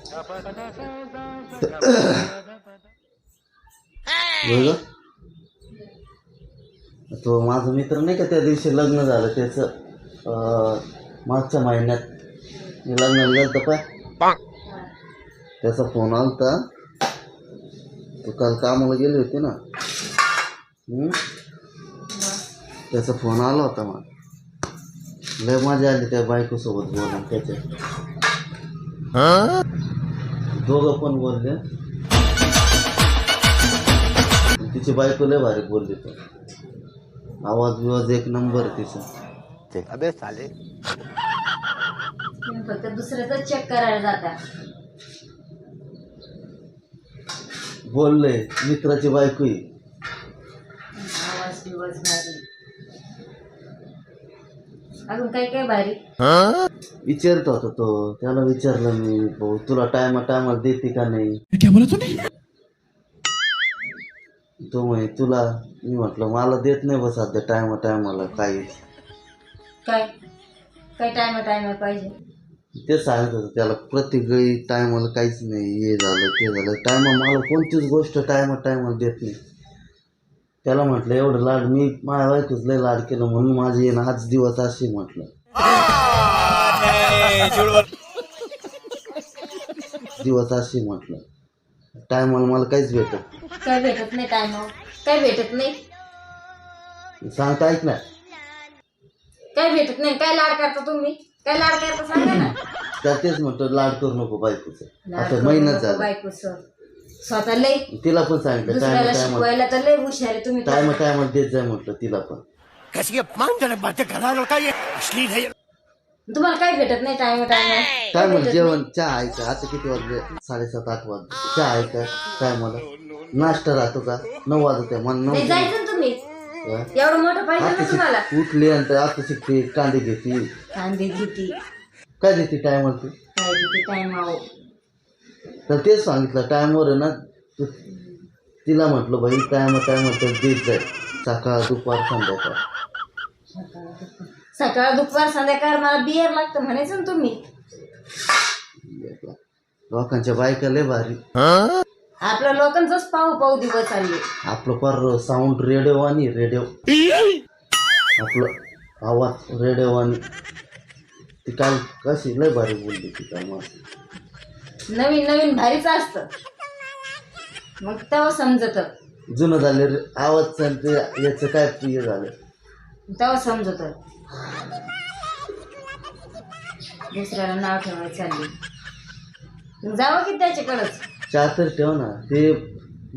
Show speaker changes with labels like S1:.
S1: बघ तो माझा मित्र नाही का, त्या दिवशी लग्न झालं त्याचं मागच्या महिन्यात मी लग्नाला गेलं पाय, त्याचा फोन आलता. तो काल कामाला गेले होते ना, त्याचा फोन आला होता मला. लय मजा आली त्या बायकोसोबत बोलून. त्याच्या दोघं पण बोलले. तिची बायको लय भारी बोलली. तो आवाज बिवाज एक नंबर तिचा.
S2: अबे साले
S3: फक्त दुसऱ्याच चेक करायला जाता.
S1: बोलले मित्राची बायको ही.
S3: आवाज बिवाज भारी. अजून काय काय भारी
S1: विचारत होता तो. त्याला विचारलं मी, भाऊ तुला टायमाला देते का नाही. तो म्हणे तुला. मी म्हटलं मला देत नाही बस सध्या टायमाला काहीच.
S3: काय काय टायमा पाहिजे.
S1: ते सांगत होतं त्याला प्रत्येक वेळी टायमाला काहीच नाही. हे झालं ते झालं. मला कोणतीच गोष्ट टायमाला देत नाही. त्याला म्हटलं एवढं लाड मी माझ्या बायकोच लय लाड केलं म्हणून माझे येणं आज दिवस असे म्हटलं. दिवस असे म्हटलं. टायमाला मला काहीच
S3: काय भेटत नाही. टायमावर काय भेटत नाही.
S1: सांगता ऐक ना.
S3: काय भेटत नाही. काय लाड करता तुम्ही. काय लाड करता सांगा ना.
S1: त्या तेच म्हणतो लाड करू नको बायकोचं.
S3: लाड
S1: आता
S3: करू
S1: महिनाच
S3: नको
S1: झाला.
S3: बायकोचं. स्वतः लय
S1: तिला पण सांगितलं
S3: दुसऱ्याला शिकवायला तर लय हुशार आहे तुम्ही.
S1: टायमाला देत जाय म्हटलं तिला पण.
S2: कैसी अपमानजनक बातें कर रहा है लड़का, ये अश्लील है.
S3: तुम्हाला काय भेटत नाही. टायमा
S1: काय म्हणलं जेवण चहा आहे का. आता किती वाजले 7:30-8 वाजले. चहा आहे का टायमाला. नाश्ता राहतो का 9 वाजता. मला 9
S3: जायचं ना तुम्ही. एवढं मोठं पाहिजे ना तुम्हाला.
S1: उठली आणि आता शिकते कांदे घेते.
S3: कांदे घेते
S1: काय देते टायमाला ती.
S3: काय देते टायमावर.
S1: तर तेच सांगितलं टायमावर आहे ना. तिला म्हटलं बाई टायमावर तर देत जाय. सकाळ दुपार संध्याकाळ.
S3: सकाळ दुपार संध्याकाळ मला बियर लागतं म्हणायचं ना तुम्ही.
S1: लोकांच्या बायका लय भारी.
S3: आपल्या लोकांचंच पाहू दिवस चालले.
S1: आपलं पर साऊंड रेडिओ आपलं आवाज रेडिओ. ती काल कशी लय भारी बोलली ती काल.
S3: नवीन भारीच असतं. मग तेव्हा समजत.
S1: जुनं झाले आवाज चालते याचं काय प्रिय झालं
S3: तेव्हा समजत. दुसऱ्याला नाव ठेवायचं चालले. जावं की त्याच्याकडंच.
S1: चहा तर ठेव ना. ते